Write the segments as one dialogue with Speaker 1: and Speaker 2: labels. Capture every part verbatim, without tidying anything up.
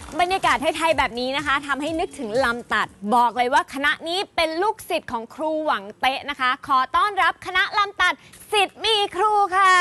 Speaker 1: บรรยากาศไทยๆแบบนี้นะคะทำให้นึกถึงลำตัดบอกเลยว่าคณะนี้เป็นลูกศิษย์ของครูหวังเตะนะคะขอต้อนรับคณะลำตัดศิษย์มีครูค่ะ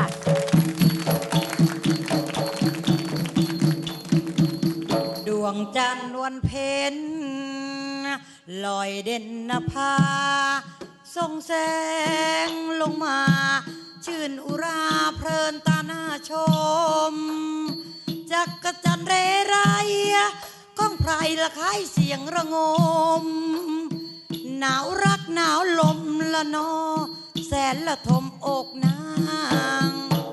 Speaker 2: ดวงจันทร์วันเพ็ญลอยเด่นนภาส่องแสงลงมาชื่นอุราเพลินตาหน้าชมจักกระจันเรไรก้องไพรละคายเสียงระงมหนาวรักหนาวลมละนอแสนละทมอกนาง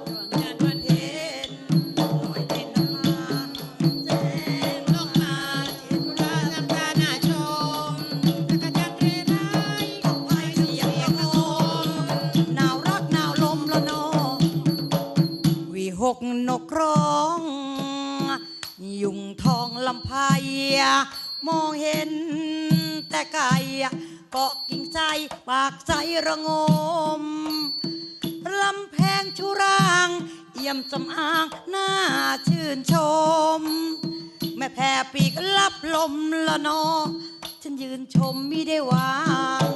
Speaker 2: หกนกร้องยุงทองลำไพมองเห็นแต่ไก่เกาะกิ่งใจปากใจระงมลำแพงชุรางเอี่ยมสำอางน่าชื่นชมแม่แผ่ปีกลับลมละนอฉันยืนชมมิได้วาง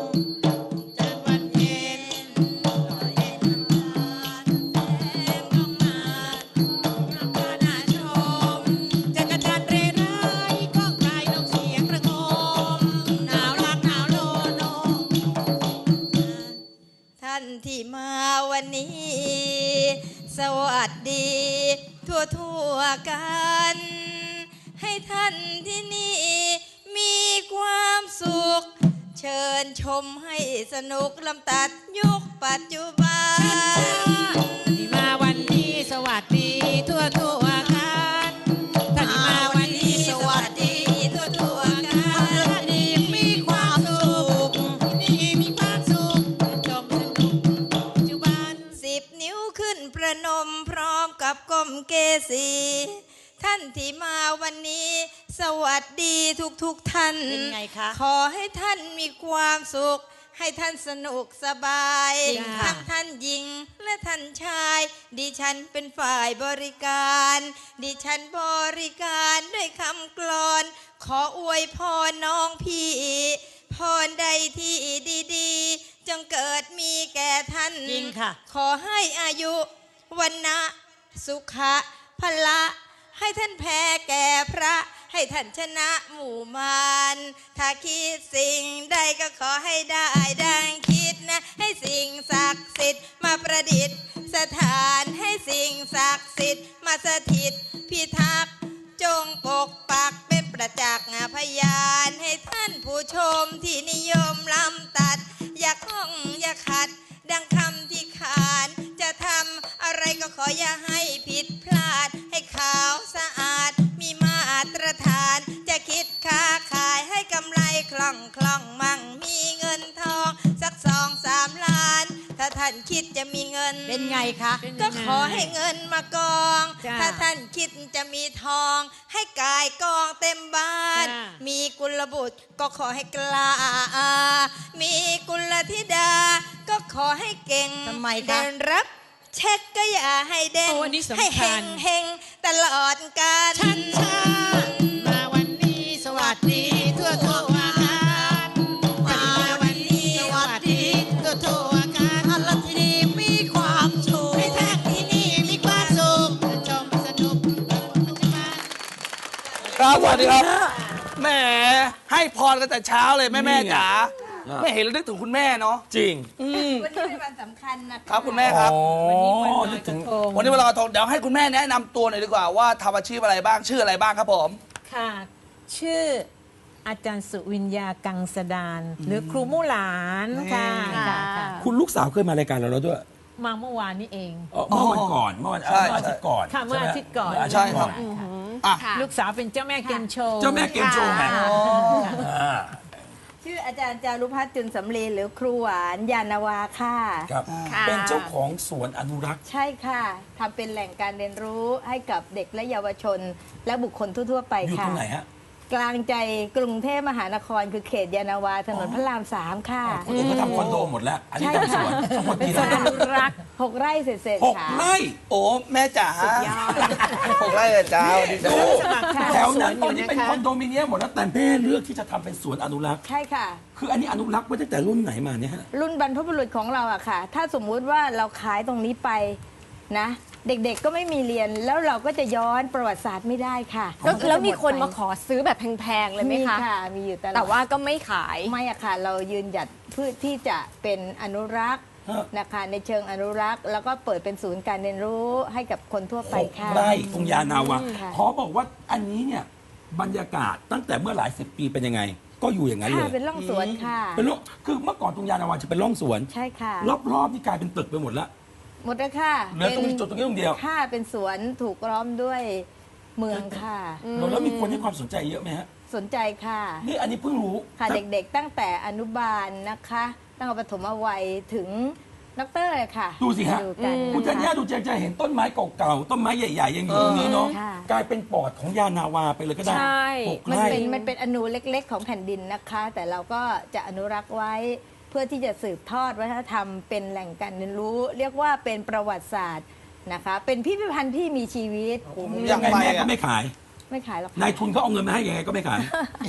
Speaker 2: ที่มาวันนี้สวัสดีทั่วทั่วกันให้ท่านที่นี่มีความสุขเชิญชมให้สนุกลำตัดยุคปัจจุบันที่มาวันนี้สวัสดีทั่วทั่วกันท่านที่มาวันนี้สวัสดีทั่วทั่วกันท่านที่มีความสุขที่มีความสุขชมนิ้วขึ้นประนมพร้อมกับก้มเกศีท่านที่มาวันนี้สวัสดีทุกทุกท่านเป็นไงคะขอให้ท่านมีความสุขให้ท่านสนุกสบายทั้งท่านหญิงและท่านชายดิฉันเป็นฝ่ายบริการดิฉันบริการด้วยคำกลอนขออวยพรน้องพี่พรใดที่ดีๆจงเกิดมีแก่ท่านจริงค่ะขอให้อายุวันนะสุขะพละให้ท่านแพ้แก่พระให้ท่านชนะหมู่มารถ้าคิดสิ่งใดก็ขอให้ได้ดังคิดนะให้สิ่งศักดิ์สิทธิ์มาประดิษฐ์สถานให้สิ่งศักดิ์สิทธิ์มาสถิตพิทักษ์จงปกปักเป็นประจักษ์พยานให้ท่านผู้ชมที่นิยมลำตัดอย่าข้องอย่าขัดดังคำที่ขานจะทำอะไรก็ขออย่าให้ผิดพลาดให้ขาวสะอาดมีมาตรฐานจะคิดค้าขายให้กำไรคล่องคล่องมั่งมีเงินทองสักสองสามล้านถ้าท่านคิดจะมีเงินเป็นไงคะก็ขอให้เงินมากองถ้าท่านคิดจะมีทองให้กายกองเต็มบ้านมีกุลบุตรก็ขอให้กล้ามีกุลธิดาก็ขอให้เก่งเดินรับเช็คก็อย่าให้เด้งให้เฮงเฮงตลอดกาลชันชามาวันนี้สวัสดีทั่วทั่วกันมาวันนี้สวัสดีทั่วทั่วกันท่านที่นี่มีความสุขให้ท่านที่นี่มีความสุขชมสนุก
Speaker 3: ครับสวัสดีครับแหมให้พรกันแต่เช้าเลยแม่แม่จ๋าไม่เห็นแล้วนึกถึงคุณแม่เนาะจริง
Speaker 2: วันนี้เป็นวันสำคัญนะครับ
Speaker 3: คุณแม่ครับวันนี้วันลอยกระทงวันนี้วันลอยกระทงเดี๋ยวให้คุณแม่แนะนำตัวหน่อยดีกว่าว่าทำอาชีพอะไรบ้างชื่ออะไรบ้างครับผม
Speaker 4: ค่ะชื่ออาจารย์สุวิญญากังสดานหรือครูมู่หลานค่ะ
Speaker 5: คุณลูกสาวเคยมารายการเราแล้วด้วย
Speaker 4: มาเมื่อวานนี้เอง
Speaker 5: เมื่อวันก่อนเมื่อวันอาทิตย์ก่อน
Speaker 4: ค่ะเมื่ออาทิตย์ก่อน
Speaker 3: ใช่ครับ
Speaker 4: ลูกสาวเป็นเจ้าแม่เกมโชว์
Speaker 5: เจ้าแม่เกมโชว์ไง
Speaker 2: ชื่ออาจารย์จารุพัฒน์จุนสำลีหรือครูหวานยานาวาค่ะ
Speaker 5: ครับเป็นเจ้าของสวนอนุรักษ์
Speaker 2: ใช่ค่ะทำเป็นแหล่งการเรียนรู้ให้กับเด็กและเยาวชนและบุคคลทั่วๆไปค่ะ
Speaker 5: อยู่ตรงไหนฮะ
Speaker 2: กลางใจกรุงเทพมหานครคือเขตยานาวาถนนพระรามสามค่ะ
Speaker 5: คนอื่นเขาทำคอนโดหมดแล้วอันนี้ทำสวนทั้งหมดกี่ไร่
Speaker 2: อนุรักษ์หกไร่เสร็จ
Speaker 5: ๆหกไร่
Speaker 3: โอ้แม่จ๋าหกไร่เลยจ้า
Speaker 5: ดูแถถวนั้น
Speaker 4: ส
Speaker 5: ต
Speaker 4: ว
Speaker 5: อน
Speaker 4: นอยู่
Speaker 5: นี้เป็น
Speaker 4: นะคะ
Speaker 5: คอนโดมิเนียมหมดแล้วแต่แม่เลือกที่จะทำเป็นสวนอนุรักษ์
Speaker 2: ใช่ค่ะ
Speaker 5: คืออันนี้อนุรักษ์ไว้ตั้งแต่รุ่นไหนมาเนี่ยฮะ
Speaker 2: รุ่นบรรพบุรุษของเราอะค่ะ ถ้าสมมุติว่าเราขายตรงนี้ไปนะ เด็กๆก็ไม่มีเรียนแล้วเราก็จะย้อนประวัติศาสตร์ไม่ได้ค่ะ
Speaker 1: ก็
Speaker 2: จะ
Speaker 1: แล้วมีคน
Speaker 2: หดไป
Speaker 1: มาขอซื้อแบบแพงๆเลยไหม
Speaker 2: มี
Speaker 1: คะ
Speaker 2: ค่ะมีอยู่ตลอด
Speaker 1: แต่ว่าก็ไม่ขาย
Speaker 2: ไม่อะค่ะ เรายืนหยัดเพื่อที่จะเป็นอนุรักษ์
Speaker 5: ฮะ
Speaker 2: นะคะในเชิงอนุรักษ์ แล้วก็เปิดเป็นศูนย์การเรียนรู้ให้กับคนทั่วไป
Speaker 5: หก
Speaker 2: ค่ะ
Speaker 5: ไร่ตรงยานาวา
Speaker 2: อืมค่ะ
Speaker 5: ขอบอกว่าอันนี้เนี่ยบรรยากาศตั้งแต่เมื่อหลายสิบปีเป็นยังไง ก็อยู่อย่างนั้นเล
Speaker 2: ค่ะ
Speaker 5: ย
Speaker 2: เป็นร่องสวนค่ะ
Speaker 5: เป็นร่องคือเมื่อก่อนตรงยานาวาจะเป็นร่องสวน
Speaker 2: ใช่ค่ะ
Speaker 5: รอบๆนี่กลายเป็นตึกไปหมดแล้ว
Speaker 2: หมดแล้วค่ะ
Speaker 5: เหลือตรงนี้จุดตรงนี้ตรงเดียว
Speaker 2: ค่ะเป็นสวนถูกล้อมด้วยเมืองค่ะ
Speaker 5: แล้วมีคนให้ความสนใจเยอะไหมฮะ
Speaker 2: สนใจค่ะ
Speaker 5: นี่อันนี้เพิ่งรู้
Speaker 2: ค่ะเด็กๆตั้งแต่อนุบาลนะคะ ตั้งแต่ปฐมวัยถึงด็อกเตอร์เลยค่ะ
Speaker 5: ดูสิฮะ
Speaker 2: ดูกัน
Speaker 5: คุณธัญญาดูจะจะเห็นต้นไม้เก่าๆต้นไม้ใหญ่ๆยังอยู่ตรงนี้เนาะ
Speaker 2: ค่ะ
Speaker 5: กลายเป็นปอดของยานาวาไปเลยก็ได้
Speaker 1: ใช่
Speaker 5: หก
Speaker 2: มัน
Speaker 5: ไร่
Speaker 2: เป็นมันเป็นอนูเล็กๆ ของแผ่นดินนะคะ แต่เราก็จะอนุรักษ์ไว้เพื่อที่จะสืบทอดวัฒนธรรมเป็นแหล่งการเรียนรู้ เรียกว่าเป็นประวัติศาสตร์นะคะ เป็นพิพิธภัณฑ์ที่มีชีวิต
Speaker 3: อยา
Speaker 5: ยั
Speaker 3: ก
Speaker 5: งไง
Speaker 3: ไป
Speaker 5: แม่ก็
Speaker 3: อะ
Speaker 5: ไม่ขาย
Speaker 2: ไม่ขายหรอกค่ะ
Speaker 5: นายทุนเขาเอาเงินมาให้ยังไงก็ไม่ขาย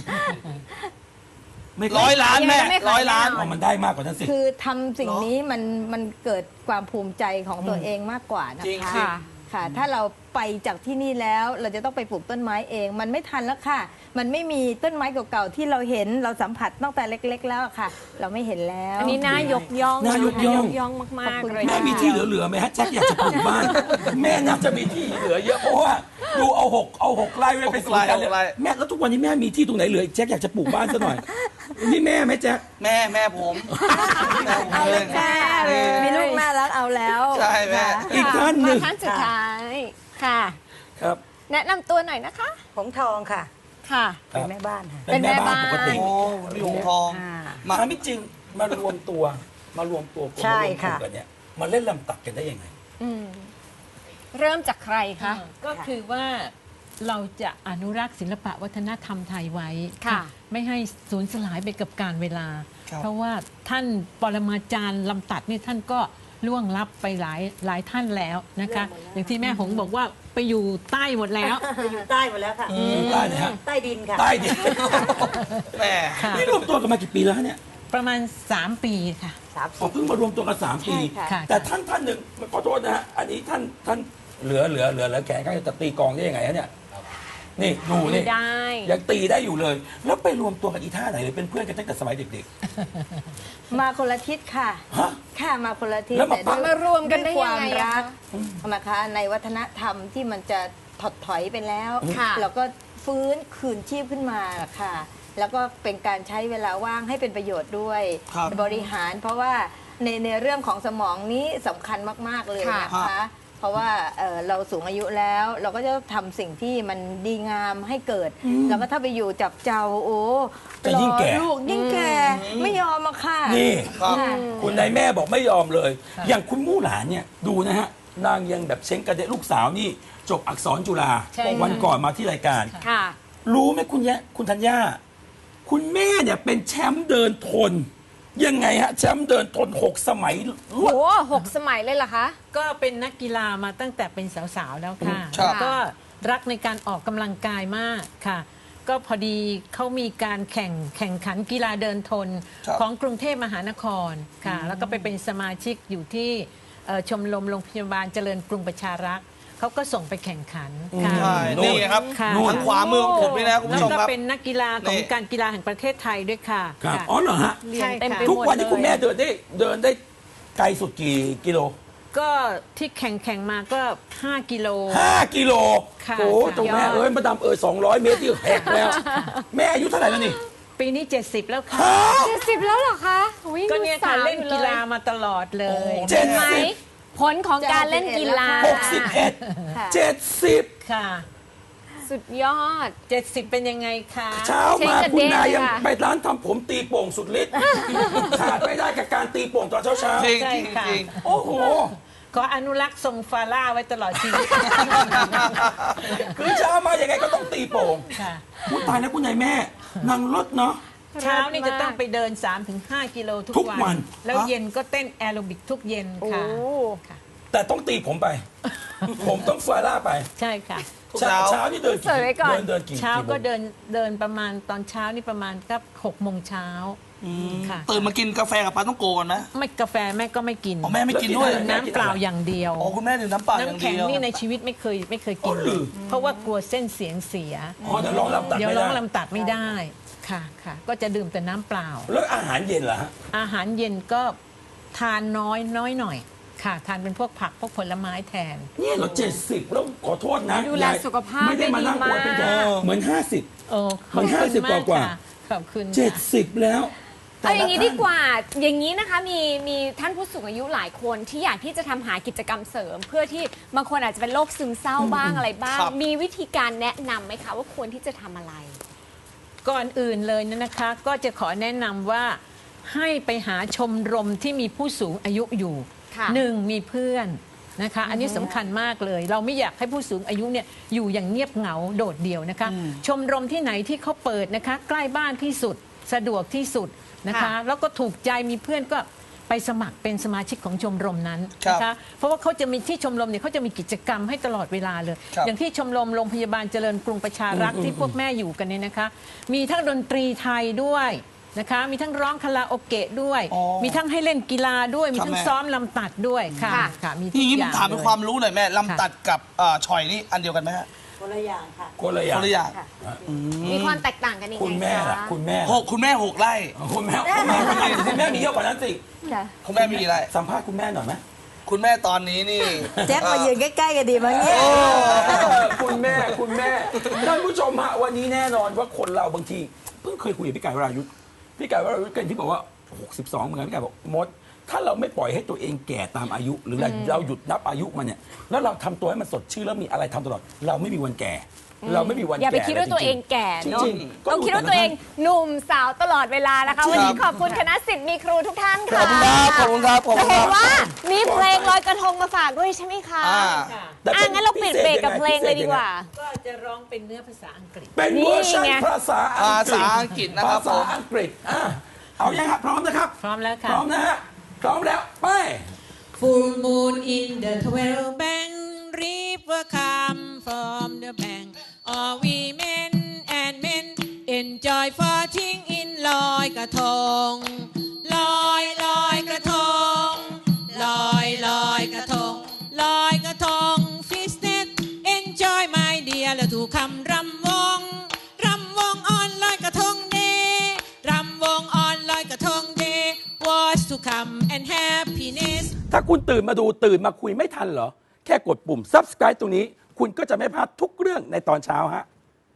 Speaker 5: ไม่ขาย
Speaker 3: ร้อยล้านแม่
Speaker 1: ยังไม่ขาย
Speaker 3: ร้อยล้าน
Speaker 1: แน่น
Speaker 5: อ๋อมันได้มากกว่านั้นสิ
Speaker 2: คือทำสิ่งนี้มันมันเกิดความภูมิใจของตัวเองมากกว่านะ
Speaker 3: จริง
Speaker 2: คะ
Speaker 3: สิ
Speaker 2: ค่ะ ถ้าเราไปจากที่นี่แล้วเราจะต้องไปปลูกต้นไม้เอง มันไม่ทันแล้วค่ะ มันไม่มีต้นไม้เก่าๆที่เราเห็นเราสัมผัสตั้งแต่เล็ก ๆ แล้วอะค่ะ เราไม่เห็นแล้ว
Speaker 1: อันนี้น่ายกย่อง
Speaker 5: น่ายกย่อง
Speaker 1: ย่องมากๆเลย
Speaker 5: แม่มีที่เหลือๆไหมฮะแจ็คอยากจะปลูกบ้าน แม่น่าจะมีที่เหลือเยอะเพราะว่าดูเอาหกเอาหกไร่ไว้เป็นสวนกันเลย
Speaker 3: หกไร่
Speaker 5: แม่แล้วทุกวันนี้แม่มีที่ตรงไหนเหลือแจ็คอยากจะปลูกบ้านซะหน่อยนี่แม่ไหมแจ็ค
Speaker 3: แม่แม่ผมแม่ผม
Speaker 2: เอาเลย
Speaker 3: แม่
Speaker 2: ค่ะมีลูกน่ารักเอาแล้ว
Speaker 3: ใช่แม่
Speaker 2: ค่ะ
Speaker 5: อีกท่านห
Speaker 1: มา
Speaker 5: นึ่ง
Speaker 1: ท่านสุดท้ายค่ะ
Speaker 5: ครับ
Speaker 1: แนะนำตัวหน่อยนะคะ
Speaker 6: ผมทองค่ะ
Speaker 1: ค่ะ
Speaker 6: เป็นแม่บ้านค่ะ
Speaker 5: เป็นแม่บ้านปกติ
Speaker 3: โอ้หลวงทอง
Speaker 5: มาไม่จริงมารวมตัวมารวมตัวกัน
Speaker 6: ใช่
Speaker 5: มารวมกลุ่
Speaker 6: ค่ะ
Speaker 5: มกันเนี่ยมาเล่นลำตัดกันได้ยังไง
Speaker 1: อืมเริ่มจากใครคะ
Speaker 4: ก็คือว่าเราจะอนุรักษ์ศิลปะวัฒนธรรมไทยไว้
Speaker 1: ค่ะ
Speaker 4: ไม่ให้สูญสลายไปกับการเวลา
Speaker 3: ครับ
Speaker 4: เพราะว่าท่านปรมาจารย์ลำตัดนี่ท่านก็ล่วงลับไปหลายหลายท่านแล้วนะคะ อย่างที่แม่หงบอกว่าไปอยู่ใต้หมดแล้ว
Speaker 6: ไปอยู่ใต้หมดแล้วค่ะ
Speaker 5: ใต้ไหนฮะ
Speaker 6: ใต้ดินค่ะ
Speaker 5: ใต้ดิน
Speaker 3: แม่
Speaker 4: ค่ะ
Speaker 5: นี่รวมตัวกันมากี่ปีแล้วฮะเนี่ย
Speaker 4: ประมาณ สาม ปีค่ะ
Speaker 6: สาม
Speaker 5: อ๋อ
Speaker 6: สิบ
Speaker 5: เพิ่งมารวมตัวกันสามปี
Speaker 2: ใช่ค่ะ
Speaker 4: ค่ะ
Speaker 5: แต่ท่านท่านหนึ่งขอโทษนะฮะอันนี้ท่านท่านเหลือเหลือเหลือเหลือแขนข้างจะตีกลองได้ยังไงฮะเนี่ยนี่ดูนี่
Speaker 1: ได้
Speaker 5: ยังตีได้อยู่เลย แล้วไปรวมตัวกันอีท่าไหนเลยเป็นเพื่อนกันตั้งแต่สมัยเด็ก
Speaker 2: มาคนละทิศค่ะ
Speaker 5: ฮะ
Speaker 2: ค่ะมาคนละทิศ
Speaker 5: แล้วมา
Speaker 2: แต่ด้วย
Speaker 1: มารวมกันได้
Speaker 2: ด้วย
Speaker 1: ยังไง
Speaker 2: ความรัก
Speaker 1: อะ
Speaker 2: นะคะในวัฒนธรรมที่มันจะถดถอยไปแล้ว
Speaker 1: ค่ะ
Speaker 2: เราก็ฟื้นคืนชีพขึ้นมาค่ะ แล้วก็เป็นการใช้เวลาว่างให้เป็นประโยชน์ด้วย
Speaker 3: ครับ
Speaker 2: บริหาร เพราะว่าในในเรื่องของสมองนี้สำคัญมาก ๆ เลยนะคะ เพราะว่าเอ่อเราสูงอายุแล้ว เราก็จะทำสิ่งที่มันดีงามให้เกิด แล้วก็ถ้าไปอยู่จับเจ้าโอ้
Speaker 5: จะยิ่งแก่
Speaker 2: รอลูกยิ่งแก่ไม่ยอมอะค่ะ
Speaker 5: ๆ นี่
Speaker 3: ครับ
Speaker 2: ค่ะ
Speaker 5: คุณนายแม่บอกไม่ยอมเลย อย่างคุณมู่หลานเนี่ยดูนะฮะนางยังแบบเช้งกระเดะลูกสาวนี่จบอักษรจุฬา
Speaker 4: ใช่ค่ะ
Speaker 5: วันก่อนมาที่รายการ
Speaker 1: ค่ะ
Speaker 5: รู้ไหมคุณยะคุณธัญญาคุณแม่เนี่ยเป็นแชมป์เดินทน ยังไงฮะแชมป์เดินทนหกสมัยร
Speaker 1: โห
Speaker 5: วด
Speaker 1: หกสมัยเลยเหรอคะ
Speaker 4: ก็เป็นนักกีฬามาตั้งแต่เป็นสาวๆแล้วค่ะ
Speaker 3: ครับ
Speaker 4: ก็รักในการออกกำลังกายมากค่ะ ก็พอดีเขามีการแข่งแข่งขันกีฬาเดินทน
Speaker 3: ครับ
Speaker 4: ของกรุงเทพมหานครค่ะ แล้วก็ไปเป็นสมาชิกอยู่ที่เอ่อชมรมโรงพยาบาลเจริญกรุงประชารักษ์เขาก็ส่งไปแข่งขันค่ะ
Speaker 3: ใช่นี่ครับ
Speaker 4: ค่ะ
Speaker 3: ทางขวามือของผมนี่นะคุณ
Speaker 4: แล้
Speaker 3: ผู้
Speaker 4: ว
Speaker 3: ชม
Speaker 4: ก็
Speaker 3: ครับ
Speaker 4: เป็นนักกีฬาของ
Speaker 3: นี่
Speaker 4: การกีฬาแห่งประเทศไทยด้วยค่ะ
Speaker 5: ครับ
Speaker 4: ค่ะ
Speaker 5: อ๋อเหรอฮะ
Speaker 1: เรียนเต็มไป
Speaker 5: ทุก
Speaker 1: หมด
Speaker 5: วันนี้
Speaker 1: เลย
Speaker 5: คุณแม่เดินได้เดินได้ไกลสุดกี่กิโล
Speaker 4: ก็ที่แข่งแข่งมาก็ ห้า กิโล
Speaker 5: ห้ากิโล
Speaker 4: ค่ะ
Speaker 5: โอ้
Speaker 4: ค่ะ
Speaker 5: ตรงแม่เอ้ยมาดามเอ้ยสองร้อยเมตรที่แหกแล้ว แม่อายุเท่าไหร่แล้วนี่
Speaker 4: ปีนี้ เจ็ดสิบ แล้วค่ะ
Speaker 5: ฮะ
Speaker 1: เจ็ดสิบแล้วเหรอคะอุ๊
Speaker 4: ก็เนี่ยค่ะ
Speaker 1: ดูสาว
Speaker 4: เล่น
Speaker 1: อยู่
Speaker 4: กีฬามาตลอดเลย
Speaker 5: เจ็ด
Speaker 1: ไหม
Speaker 5: สิบ
Speaker 1: ผลของการเล่นกีฬา
Speaker 5: หกสิบเอ็ดเจ็ดสิบ
Speaker 4: ค่ะ
Speaker 1: สุดยอด
Speaker 4: เจ็ดสิบ เป็นยังไงคะ
Speaker 5: เช้า
Speaker 1: เช็ค
Speaker 5: มา
Speaker 1: กัน
Speaker 5: คุณนาย
Speaker 1: เด้ง
Speaker 5: ยัง
Speaker 1: ค่ะ
Speaker 5: ไปร้านทำผมตีโป่งสุดฤทธิ์ขาดไม่ได้กับการตีโป่งตอนเช้าเช้าๆ
Speaker 3: จริง
Speaker 4: ใช่
Speaker 3: จริง
Speaker 4: ค่ะ
Speaker 3: จริง
Speaker 5: โอ้โห
Speaker 4: ขออนุรักษ์ทรงฟาร่าไว้ตลอดชีวิต
Speaker 5: คือเช้ามายังไงก็ต้องตีโป่ง
Speaker 4: ค่ะ
Speaker 5: พูดตายแล้วคุณนายแม่นางรถเนาะ
Speaker 4: เช้านี่จะต้องไปเดิน สามถึงห้า กิโลทุก
Speaker 5: ทุกวั
Speaker 4: วัน น แล้วเย็นก็เต้นแอโรบิกทุกเย็น
Speaker 1: โอ้
Speaker 4: ค่ะค่ะ
Speaker 5: แต่ต้องตีผมไป ผมต้องฟาร่าไป
Speaker 4: ใช่ค่ะ
Speaker 3: ทุก
Speaker 5: เช้า
Speaker 3: เช้า
Speaker 5: เช้านี่เดินกี่
Speaker 1: สวยไว้ก่อน
Speaker 5: เดินเดินกี่
Speaker 4: เช้า
Speaker 5: กี่โมง
Speaker 4: ก็เดินเดินประมาณตอนเช้านี่ประมาณก็หกโมงเช้าค่ะ
Speaker 3: ตื่นมากินกาแฟกับปลาต้องโกก่อนไหม
Speaker 4: ไม่กาแฟแม่ก็ไม่กิน
Speaker 3: อ๋อแม่ไม่กินด้วย
Speaker 5: แล้วกินอะไร
Speaker 4: น้ำเปล่าอย่างเดียว
Speaker 3: อ๋อคุณแม่ดื่มน้ำเปล่าอย่าง
Speaker 4: น้ำแข็ง
Speaker 3: เดียว
Speaker 4: นี่ในชีวิตไม่เคยไม่เคยกิน
Speaker 5: อ๋อเหรอ
Speaker 4: เพราะว่ากลัวเส้นเสียงเสีย
Speaker 5: อ๋อเดี๋ยวร้องลำตัด
Speaker 4: เดี๋ยว
Speaker 5: ไม่
Speaker 4: ร้
Speaker 5: ได้
Speaker 4: องลำตัดไม่ได้ค่ะค่ะ ก็จะดื่มแต่น้ำเปล่า
Speaker 5: แล้วอาหารเย็นเหรอฮะ
Speaker 4: อาหารเย็นก็ทานน้อยน้อยหน่อยค่ะ ทานเป็นพวกผักพวกผลไม้แทน
Speaker 5: เนี่ยเหราเจ็ดสิบแล้วขอโทษนะ
Speaker 1: ดูแล
Speaker 5: ยาย
Speaker 1: สุขภาพ
Speaker 5: ไม่ได้มานั่ง
Speaker 1: ได้ดี
Speaker 5: อวดเป็น
Speaker 1: มาก
Speaker 5: แค่เหมือนห้าสิบ
Speaker 4: โอ้ข
Speaker 5: มั
Speaker 4: อบ
Speaker 5: น
Speaker 4: คุณ
Speaker 5: ห้าสิบ
Speaker 4: มาก
Speaker 5: กว่าๆ
Speaker 4: ค่ะขอบคุณ
Speaker 5: เจ็ด
Speaker 4: ค่ะ
Speaker 5: สิบแล้ว
Speaker 1: เอาอย่างนี้
Speaker 5: แต่ละ
Speaker 1: ดีกว่า อย่างนี้นะคะมีมีท่านผู้สูงอายุหลายคนที่อยากที่จะทำหากิจกรรมเสริม เพื่อที่บางคนอาจจะเป็นโรคซึมเศร้าบ้างอะไรบ้าง
Speaker 3: ครับ
Speaker 1: มีวิธีการแนะนำไหมคะว่าควรที่จะทำอะไร
Speaker 4: ก่อนอื่นเลยนะนะคะ ก็จะขอแนะนำว่าให้ไปหาชมรมที่มีผู้สูงอายุอยู่
Speaker 1: ค่ะ
Speaker 4: หนึ่งมีเพื่อนนะคะ อันนี้สำคัญมากเลย เราไม่อยากให้ผู้สูงอายุเนี่ยอยู่อย่างเงียบเหงาโดดเดี่ยวนะคะ ชมรมที่ไหนที่เขาเปิดนะคะ ใกล้บ้านที่สุดสะดวกที่สุดนะคะ
Speaker 1: ค่ะ
Speaker 4: แล้วก็ถูกใจมีเพื่อนก็ไปสมัครเป็นสมาชิกของชมรมนั้น
Speaker 3: ครับ
Speaker 4: นะคะ เพราะว่าเขาจะมีที่ชมรมเนี่ยเขาจะมีกิจกรรมให้ตลอดเวลาเลย
Speaker 3: ครับ
Speaker 4: อย่างที่ชมรมโรงพยาบาลเจริญกรุงประชารักษ์ที่พวกแม่อยู่กันเนี่ยนะคะ มีทั้งดนตรีไทยด้วยนะคะ มีทั้งร้องคาราโอเกะด้วย
Speaker 3: อ๋อ
Speaker 4: มีทั้งให้เล่นกีฬาด้วย มีทั้ง
Speaker 3: ครับแม่
Speaker 4: ซ้อมลำตัดด้วยค่ะ
Speaker 1: ค่ะ
Speaker 4: ค่ะมีทุ
Speaker 3: นี่
Speaker 4: ก
Speaker 3: งี้
Speaker 4: อ
Speaker 3: ผม
Speaker 4: ย่าง
Speaker 3: ถามเป็น
Speaker 4: ลย
Speaker 3: ความรู้หน่อยแม่ลำตัดกับเอ่อฉ่อยนี่อันเดียวกันไหมฮะ
Speaker 6: คนละอย่างค่ะ
Speaker 5: คนละอ
Speaker 3: ค
Speaker 5: ย่าง
Speaker 3: นละอย่าง
Speaker 1: มีความแตกต่างกันยังไง
Speaker 5: คุณแม่ล่ะ
Speaker 1: คะ
Speaker 5: คุณแม่
Speaker 3: หกคุณแม่หกไร่
Speaker 5: คุณแม่คุณแม่คุณแม่คุณแม่มีเยอะกว่านั้นสิ
Speaker 3: คุณแม่มีกี่ไร่
Speaker 5: สัมภาษณ์คุณแม่หน่อยไหม
Speaker 3: คุณแม่ตอนนี้นี่
Speaker 6: แจ็คมายืนใกล้ๆกันดีมั้งเนี่ย
Speaker 5: คุณแม่คุณแม่ท่านผู้ชมฮะวันนี้แน่นอนว่าคนเราบางทีเพิ่งเคยคุยกับพี่ไก่วรายุทธ์พี่ไก่วรายุทธ์กันที่บอกว่าหกสิบสองเหมือนกันพี่ไก่บอกมด ถ้าเราไม่ปล่อยให้ตัวเองแก่ตามอายุ หรือเราเราหยุดนับอายุมันเนี่ยแล้วเราทำตัวให้มันสดชื่นแล้วมีอะไรทำตลอด เราไม่มีวันแก่ เราไม่มีวันแก่
Speaker 1: อย่าไปคิดว่าตัวเองแก่
Speaker 5: จริงๆ
Speaker 1: เนาะ
Speaker 5: จริงๆ
Speaker 1: ต้องคิดว่าตัวเองหนุ่มสาวตลอดเวลานะคะ วันนี้ขอบคุณคณะศิษย์มีครูทุกท่าน
Speaker 3: ข
Speaker 1: ค่ะ
Speaker 3: อบคุณครับขอบคุณครับขอบ
Speaker 1: จะ
Speaker 3: คุณค
Speaker 1: เห็น
Speaker 3: รับ
Speaker 1: ว่ามีเพลงลอยกระทงมาฝากด้วยใช่ไหมคะ
Speaker 3: อ่า
Speaker 5: แต่
Speaker 1: อ่ะงั้นเราปิดเบรกกับเพลงเลยดีกว่า
Speaker 4: ก็จะร้องเป็นเนื้อภาษาอังกฤษ
Speaker 5: เป็นเวอร์ชัน
Speaker 1: นี่ไง
Speaker 5: ภาษาอังกฤษ
Speaker 3: ภาษาอังกฤษนะครับ
Speaker 5: ภาษาอังกฤษอ่ะเอายังครับพร้อมนะครับ
Speaker 4: พร้อมแล้วค่ะ
Speaker 5: พร้อมนะฮะพร้อมแล้วไป
Speaker 4: Full moon in the twelve bank, river come from the bank. All women and men enjoy floating in ลอยกระทงลอยลอยกระทงลอยลอยกระทงลอยกระทง fish net enjoy my dear แล้วถูกคำรำวงรำวงออนลอยกระทงเดรำวงออนลอยกระทงเด was to come and happiness
Speaker 5: ถ้าคุณตื่นมาดูตื่นมาคุยไม่ทันเหรอ แค่กดปุ่ม subscribe ตรงนี้ คุณก็จะไม่พลาดทุกเรื่องในตอนเช้าฮะ